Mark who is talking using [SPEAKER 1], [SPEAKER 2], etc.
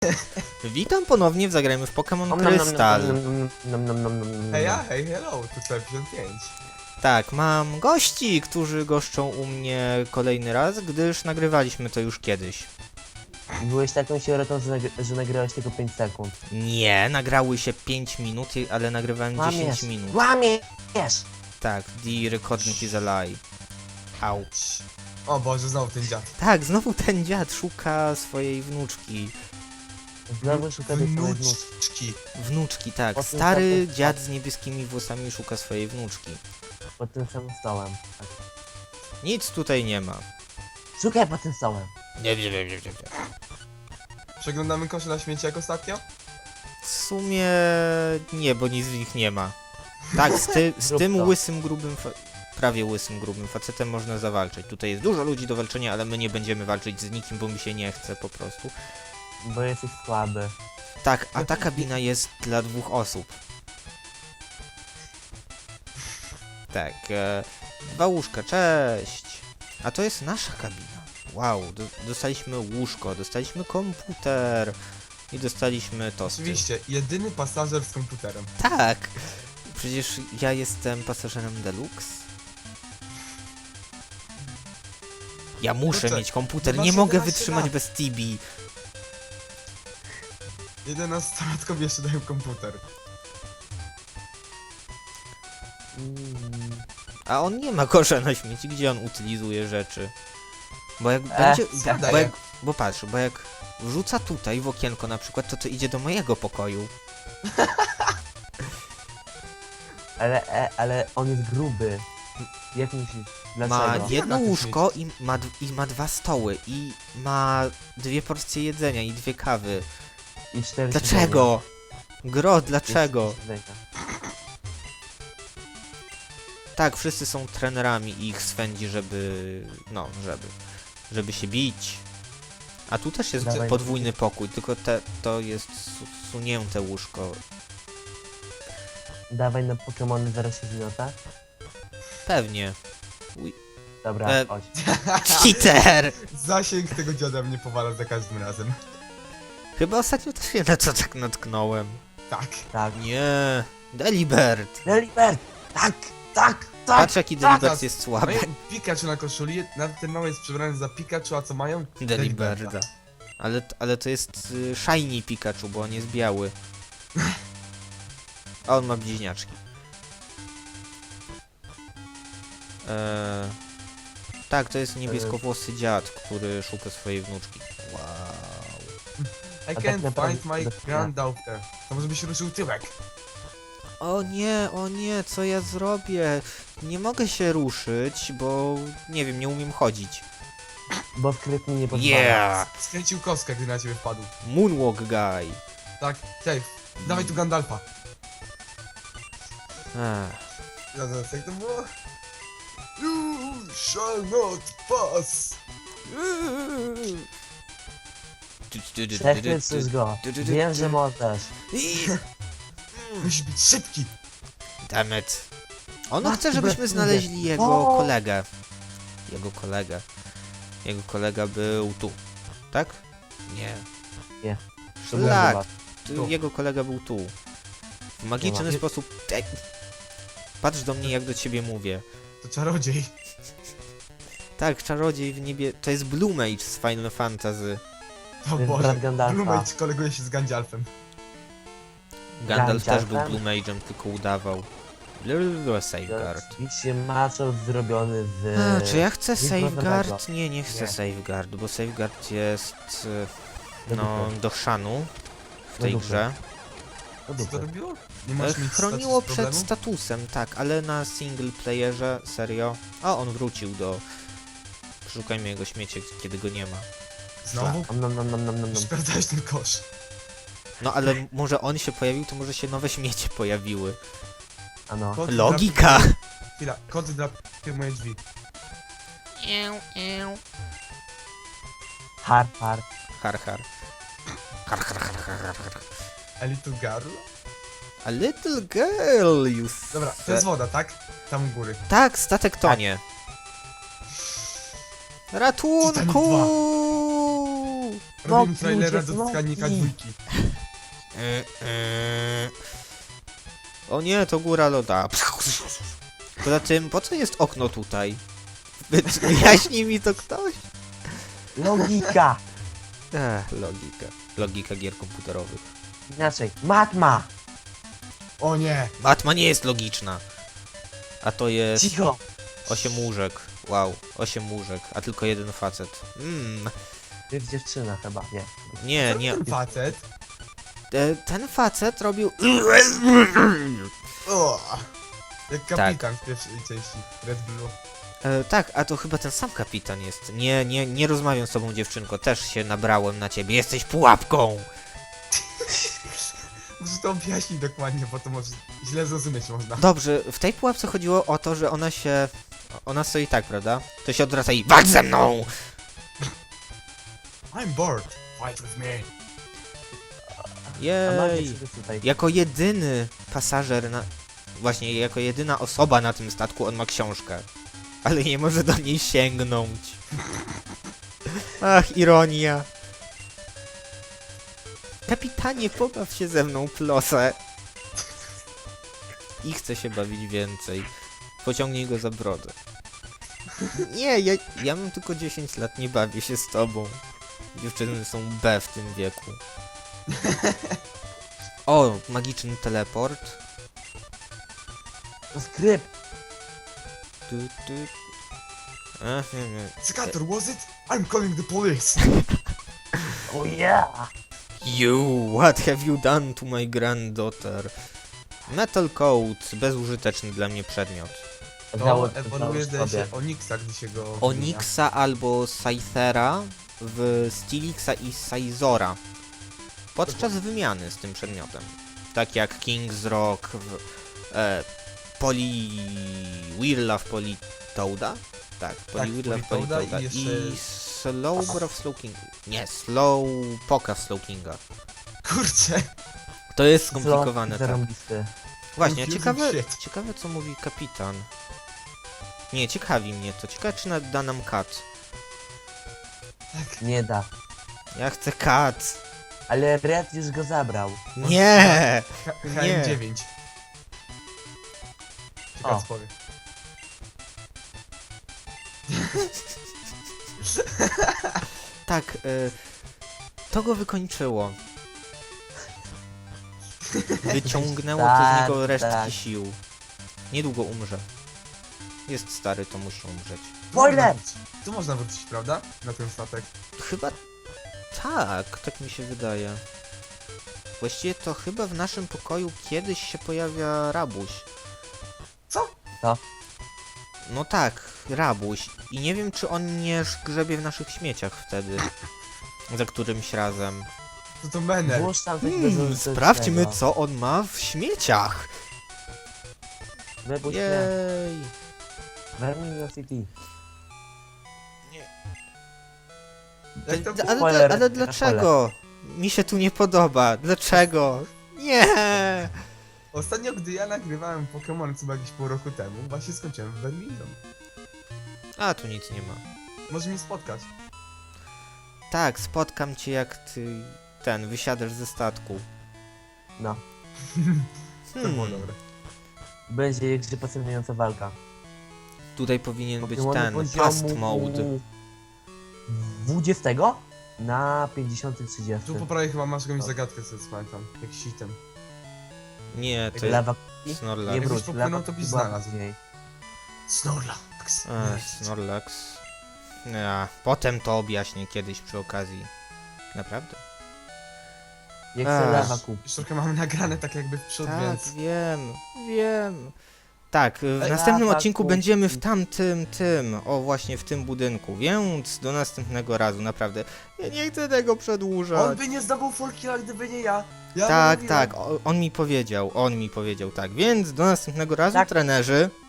[SPEAKER 1] Witam ponownie w Zagrajmy w Pokémon Krystal.
[SPEAKER 2] Hej, hello, tu 55.
[SPEAKER 1] Tak, mam gości, którzy goszczą u mnie kolejny raz, gdyż nagrywaliśmy to już kiedyś.
[SPEAKER 3] Byłeś taką sierotą, że nagrałeś tylko 5 sekund.
[SPEAKER 1] Nie, nagrały się 5 minut, ale nagrywałem 10 minut.
[SPEAKER 3] Łamiesz!
[SPEAKER 1] Tak, the recording is a lie. Au.
[SPEAKER 2] O Boże, znowu ten dziad.
[SPEAKER 1] Tak, znowu ten dziad szuka swojej wnuczki.
[SPEAKER 3] Znowu szukamy swojej wnuczki.
[SPEAKER 2] Wnuczki.
[SPEAKER 1] Wnuczki, tak.
[SPEAKER 3] Potem
[SPEAKER 1] Stary
[SPEAKER 3] tam-
[SPEAKER 1] dziad z niebieskimi włosami szuka swojej wnuczki.
[SPEAKER 3] Pod tym samym stołem. Tak.
[SPEAKER 1] Nic tutaj nie ma.
[SPEAKER 3] Szukaj pod tym stołem.
[SPEAKER 1] Nie.
[SPEAKER 2] Przeglądamy kosze na śmieci jak ostatnio?
[SPEAKER 1] W sumie nie, bo nic w nich nie ma. Tak, z
[SPEAKER 3] Zrób
[SPEAKER 1] tym
[SPEAKER 3] to.
[SPEAKER 1] łysym, grubym, prawie łysym, grubym facetem można zawalczyć. Tutaj jest dużo ludzi do walczenia, ale my nie będziemy walczyć z nikim, bo mi się nie chce po prostu.
[SPEAKER 3] Bo jesteś słaby.
[SPEAKER 1] Tak, a ta kabina jest dla 2 osób. Tak, 2 łóżka, cześć. A to jest nasza kabina. Wow, dostaliśmy łóżko, dostaliśmy komputer i dostaliśmy tosty.
[SPEAKER 2] Oczywiście, jedyny pasażer z komputerem.
[SPEAKER 1] Tak! Przecież ja jestem pasażerem deluxe. Ja muszę
[SPEAKER 2] Kurczę,
[SPEAKER 1] mieć komputer,
[SPEAKER 2] masz
[SPEAKER 1] nie mogę
[SPEAKER 2] 11
[SPEAKER 1] wytrzymać
[SPEAKER 2] lat.
[SPEAKER 1] bez Tibi.
[SPEAKER 2] 11-latkom jeszcze dają komputer.
[SPEAKER 1] A on nie ma kosza na śmieci, gdzie on utylizuje rzeczy. Bo jak będzie...
[SPEAKER 2] zadaję.
[SPEAKER 1] Bo patrz, bo jak wrzuca tutaj w okienko na przykład, to idzie do mojego pokoju.
[SPEAKER 3] Ale on jest gruby. Jak myślisz?
[SPEAKER 1] Ma
[SPEAKER 3] Dlaczego?
[SPEAKER 1] jedno
[SPEAKER 2] Na tym
[SPEAKER 1] łóżko i ma 2 stoły i ma 2 porcje jedzenia i 2 kawy.
[SPEAKER 3] I 4
[SPEAKER 1] Dlaczego? Gro, dlaczego? Tak, wszyscy są trenerami i ich swędzi, żeby... No, żeby się bić. A tu też jest
[SPEAKER 3] Dawaj.
[SPEAKER 1] podwójny pokój, tylko to jest sunięte łóżko.
[SPEAKER 3] Dawaj na Pokémony zaraz się zmiota.
[SPEAKER 1] Pewnie.
[SPEAKER 3] Dobra,
[SPEAKER 1] E,
[SPEAKER 3] chodź.
[SPEAKER 1] Cheater!
[SPEAKER 2] Zasięg tego dziada mnie powala za każdym razem.
[SPEAKER 1] Chyba ostatnio też się na to tak natknąłem.
[SPEAKER 2] Tak.
[SPEAKER 3] Tak.
[SPEAKER 1] Nie, Delibert!
[SPEAKER 3] Delibert! Tak! Tak! Tak!
[SPEAKER 1] Patrz jaki Delibert jest słaby.
[SPEAKER 2] Mają Pikachu na koszuli, nawet ten mały jest przebrany za Pikachu, a co mają?
[SPEAKER 1] Deliberda. Ale to jest shiny Pikachu, bo on jest biały. A on ma bliźniaczki. Tak, to jest niebieskowłosy dziad, który szuka swojej wnuczki. Wow.
[SPEAKER 2] I
[SPEAKER 3] tak
[SPEAKER 2] can't
[SPEAKER 3] naprawdę-
[SPEAKER 2] find my granddaughter. To może byś ruszył tyłek.
[SPEAKER 1] O nie, co ja zrobię? Nie mogę się ruszyć, bo nie wiem, nie umiem chodzić.
[SPEAKER 3] Bo skrytnie nie pozwala.
[SPEAKER 1] Yeah!
[SPEAKER 2] Skręcił kostkę, gdy na ciebie wpadł.
[SPEAKER 1] Moonwalk guy.
[SPEAKER 2] Tak, safe. Dawaj tu Gandalfa.
[SPEAKER 1] Ech.
[SPEAKER 2] Ja zaraz, jak to było? You shall not pass.
[SPEAKER 3] Przechwycisz go. Wiem, że możesz.
[SPEAKER 2] Musisz być szybki.
[SPEAKER 1] Dammit. Ono
[SPEAKER 3] Matko
[SPEAKER 1] chce, żebyśmy
[SPEAKER 3] bratku,
[SPEAKER 1] znaleźli jego
[SPEAKER 3] O!
[SPEAKER 1] kolegę. Jego kolega był tu. Tak? Nie.
[SPEAKER 3] Nie.
[SPEAKER 1] Szlak.
[SPEAKER 2] Tu.
[SPEAKER 1] Jego kolega był tu. W magiczny
[SPEAKER 2] Nie.
[SPEAKER 1] sposób... Ej. Patrz do mnie, jak do ciebie mówię.
[SPEAKER 2] To czarodziej.
[SPEAKER 1] Tak, czarodziej w niebie... To jest Blue Mage z Final Fantasy.
[SPEAKER 2] O
[SPEAKER 3] jest
[SPEAKER 2] Boże.
[SPEAKER 3] brat Gandalfa.
[SPEAKER 2] Blumage koleguje się z Gandalfem.
[SPEAKER 1] Gandalf też był
[SPEAKER 3] Gandalfem?
[SPEAKER 1] Blue Mage'em, tylko udawał. Safeguard.
[SPEAKER 3] Oczywiście maczor zrobiony z...
[SPEAKER 1] A, czy ja chcę
[SPEAKER 3] nic
[SPEAKER 1] safeguard?
[SPEAKER 3] nowego.
[SPEAKER 1] Nie chcę
[SPEAKER 3] Nie.
[SPEAKER 1] safeguard, bo safeguard jest...
[SPEAKER 3] Do
[SPEAKER 1] No,
[SPEAKER 3] dupy.
[SPEAKER 1] do chrzanu w tej
[SPEAKER 3] Do dupy.
[SPEAKER 1] grze.
[SPEAKER 3] Do
[SPEAKER 2] Co to
[SPEAKER 3] dupy.
[SPEAKER 2] robiło? Nie możesz mieć
[SPEAKER 1] Chroniło
[SPEAKER 2] status
[SPEAKER 1] przed
[SPEAKER 2] problemu?
[SPEAKER 1] statusem, tak, ale na single playerze, serio. O, on wrócił do... Szukajmy jego śmiecie, kiedy go nie ma.
[SPEAKER 2] Znowu?
[SPEAKER 3] Nom.
[SPEAKER 2] Sprawdzałeś ten kosz.
[SPEAKER 1] No ale może on się pojawił, to może się nowe śmiecie pojawiły.
[SPEAKER 3] Ano.
[SPEAKER 2] Kod
[SPEAKER 1] Logika!
[SPEAKER 2] Chwila, kod dla moje drzwi.
[SPEAKER 3] Har.
[SPEAKER 1] Har, har. Har, har, har, har, har, har.
[SPEAKER 2] A little girl?
[SPEAKER 1] A little girl, you
[SPEAKER 2] Dobra, to jest woda, tak? Tam u góry.
[SPEAKER 1] Tak, statek tonie. Ratunku!
[SPEAKER 2] Robimy trailera
[SPEAKER 3] ludzie,
[SPEAKER 2] do Skanika
[SPEAKER 3] smoki.
[SPEAKER 2] 2.
[SPEAKER 1] O nie, to góra loda. Poza tym, po co jest okno tutaj? Wyjaśni mi to ktoś?
[SPEAKER 3] Logika.
[SPEAKER 1] Logika. Logika gier komputerowych.
[SPEAKER 3] Inaczej. Matma.
[SPEAKER 2] O nie!
[SPEAKER 1] Matma nie jest logiczna. A to jest
[SPEAKER 3] Cicho.
[SPEAKER 1] 8 łóżek. Wow, 8 łóżek, a tylko jeden facet.
[SPEAKER 3] To jest dziewczyna chyba, nie.
[SPEAKER 1] Nie, nie.
[SPEAKER 2] Ten facet.
[SPEAKER 1] Ten facet robił...
[SPEAKER 2] O! Jak kapitan w pierwszej części Red Blue.
[SPEAKER 1] tak, a to chyba ten sam kapitan jest. Nie rozmawiam z tobą, dziewczynko. Też się nabrałem na ciebie. Jesteś pułapką!
[SPEAKER 2] Muszę to objaśnić dokładnie, bo to może źle zrozumieć można.
[SPEAKER 1] Dobrze, w tej pułapce chodziło o to, że ona się... Ona stoi tak, prawda? To się odwraca i walcz ze mną!
[SPEAKER 2] I'm bored. Fight with me.
[SPEAKER 3] A mam
[SPEAKER 1] Jej!
[SPEAKER 3] jeszcze tutaj.
[SPEAKER 1] Jako jedyny pasażer na... Właśnie, jako jedyna osoba na tym statku on ma książkę. Ale nie może do niej sięgnąć. Ach, ironia. Kapitanie, pobaw się ze mną, plosę. I chce się bawić więcej. Pociągnij go za brodę. Nie, ja mam tylko 10 lat, nie bawię się z tobą. Dziewczyny są B w tym wieku. O, magiczny teleport.
[SPEAKER 3] Skrypt.
[SPEAKER 1] Tu. Nie.
[SPEAKER 2] Scatter, was it? I'm calling the police.
[SPEAKER 3] Oh yeah.
[SPEAKER 1] You, what have you done to my granddaughter? Metal Coat, bezużyteczny dla mnie przedmiot.
[SPEAKER 2] To ewoluuje zdaje się Onyxa, gdy się go...
[SPEAKER 1] Onyxa albo Scythera w Stilixa i Sizora. Podczas wymiany z tym przedmiotem. Tak jak King's Rock w Poliwhirla w Politoada? Tak, Poliwhirla w
[SPEAKER 2] Politoada
[SPEAKER 1] Politoada.
[SPEAKER 2] i
[SPEAKER 1] I
[SPEAKER 2] jeszcze-
[SPEAKER 1] Slowbro w Slowkinga. Nie, Slowpoke w Slowkinga.
[SPEAKER 2] Kurczę.
[SPEAKER 1] To jest skomplikowane, tak.
[SPEAKER 3] Zarąbisty.
[SPEAKER 1] Właśnie,
[SPEAKER 2] Confusing shit.
[SPEAKER 1] ciekawe co mówi kapitan. Nie, ciekawi mnie to. Ciekawe czy da nam kat.
[SPEAKER 3] Nie da.
[SPEAKER 1] Ja chcę kat.
[SPEAKER 3] Ale Red już go zabrał.
[SPEAKER 1] Nie!
[SPEAKER 2] HM9. Ciekawe
[SPEAKER 3] O.
[SPEAKER 2] spory.
[SPEAKER 1] Tak, to go wykończyło. Wyciągnęło to z
[SPEAKER 3] Tak,
[SPEAKER 1] niego resztki
[SPEAKER 3] tak.
[SPEAKER 1] sił. Niedługo umrze. Jest stary, to musi umrzeć.
[SPEAKER 3] Spoiler!
[SPEAKER 2] Tu można wrócić, prawda? Na ten statek.
[SPEAKER 1] Chyba tak mi się wydaje. Właściwie to chyba w naszym pokoju kiedyś się pojawia rabuś.
[SPEAKER 2] Co?
[SPEAKER 1] No tak, rabuś. I nie wiem, czy on nie grzebie w naszych śmieciach wtedy. Za którymś razem.
[SPEAKER 2] To Mener.
[SPEAKER 3] Włóż tam coś bezużytecznego.
[SPEAKER 1] Sprawdźmy, co on ma w śmieciach.
[SPEAKER 3] Wypuść mnie.
[SPEAKER 1] Jej.
[SPEAKER 3] Verminiosity.
[SPEAKER 2] Jak to było?
[SPEAKER 1] Ale
[SPEAKER 3] Spoiler.
[SPEAKER 1] dlaczego? Mi się tu nie podoba. Dlaczego? Nie!
[SPEAKER 2] Ostatnio, gdy ja nagrywałem Pokémon chyba jakieś pół roku temu, właśnie skończyłem w Birmingham.
[SPEAKER 1] A, tu nic nie ma.
[SPEAKER 2] Może mnie spotkać.
[SPEAKER 1] Tak, spotkam cię jak ty... wysiadasz ze statku.
[SPEAKER 3] No.
[SPEAKER 2] To było dobre.
[SPEAKER 3] Będzie jeszcze pasjonująca walka.
[SPEAKER 1] Tutaj powinien być
[SPEAKER 3] Pokemony
[SPEAKER 1] ten,
[SPEAKER 3] poziomu
[SPEAKER 1] past mode.
[SPEAKER 3] 20 na 50-30.
[SPEAKER 2] Tu po prawej chyba masz jakąś zagadkę, co pamiętam. Jak sitem.
[SPEAKER 1] Nie, to jest
[SPEAKER 3] Lawa
[SPEAKER 1] Snorlax.
[SPEAKER 3] nie
[SPEAKER 2] Jakbyś
[SPEAKER 3] wróć.
[SPEAKER 2] popłynął,
[SPEAKER 3] Lawa
[SPEAKER 2] to byś
[SPEAKER 3] była
[SPEAKER 2] znalazł.
[SPEAKER 3] później.
[SPEAKER 2] Snorlax.
[SPEAKER 1] Snorlax. Ja, potem to objaśnię kiedyś przy okazji. Naprawdę?
[SPEAKER 3] Nie chcę
[SPEAKER 1] Ach.
[SPEAKER 3] lawa kup.
[SPEAKER 2] Już trochę mamy nagrane tak jakby w przód,
[SPEAKER 1] Tak,
[SPEAKER 2] więc...
[SPEAKER 1] wiem. Tak, w
[SPEAKER 2] Ej,
[SPEAKER 1] następnym
[SPEAKER 3] tak,
[SPEAKER 1] odcinku
[SPEAKER 3] kup.
[SPEAKER 1] będziemy w o właśnie w tym budynku, więc do następnego razu, naprawdę. Ja nie chcę tego
[SPEAKER 2] On
[SPEAKER 1] przedłużać.
[SPEAKER 2] by nie zdobył full killa, gdyby nie ja. Ja
[SPEAKER 1] Tak,
[SPEAKER 2] mówiłem.
[SPEAKER 1] tak, on mi powiedział, tak, więc do następnego razu,
[SPEAKER 3] Tak.
[SPEAKER 1] trenerzy.